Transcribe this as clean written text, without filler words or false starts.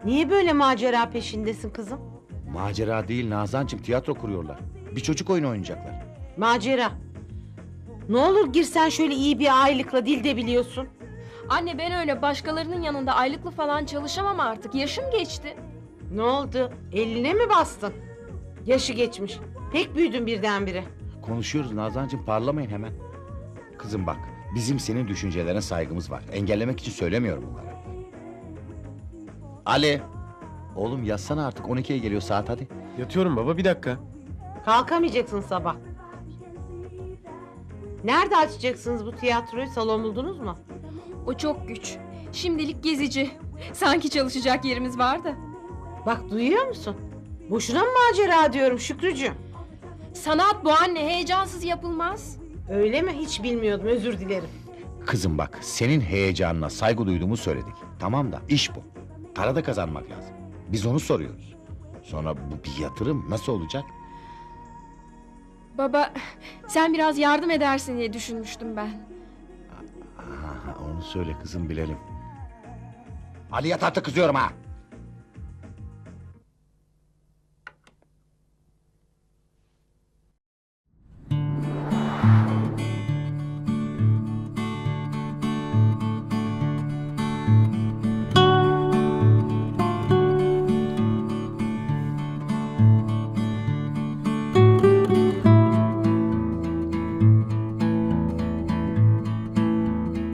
Niye böyle macera peşindesin kızım? Macera değil Nazancığım, tiyatro kuruyorlar. Bir çocuk oyunu oynayacaklar. Macera. Ne olur girsen şöyle iyi bir aylıkla, dil de biliyorsun. Anne ben öyle başkalarının yanında aylıklı falan çalışamam artık. Yaşım geçti. Ne oldu? Eline mi bastın? Yaşı geçmiş. Pek büyüdün birdenbire. Konuşuyoruz Nazancığım, parlamayın hemen. Kızım bak, bizim senin düşüncelerine saygımız var. Engellemek için söylemiyorum bunları. Ali! Oğlum yatsana artık, 12'ye geliyor saat, hadi. Yatıyorum baba, bir dakika. Kalkamayacaksın sabah. Nerede açacaksınız bu tiyatroyu? Salon buldunuz mu? O çok güç. Şimdilik gezici. Sanki çalışacak yerimiz var da. Bak duyuyor musun? Boşuna mı macera diyorum Şükrücüğüm? Sanat bu anne, heyecansız yapılmaz. Öyle mi? Hiç bilmiyordum, özür dilerim. Kızım bak, senin heyecanına saygı duyduğumu söyledik. Tamam da iş bu. Para da kazanmak lazım. Biz onu soruyoruz. Sonra bu bir yatırım nasıl olacak? Baba, sen biraz yardım edersin diye düşünmüştüm ben. Aha, onu söyle kızım, bilelim. Ali yat artık, kızıyorum ha!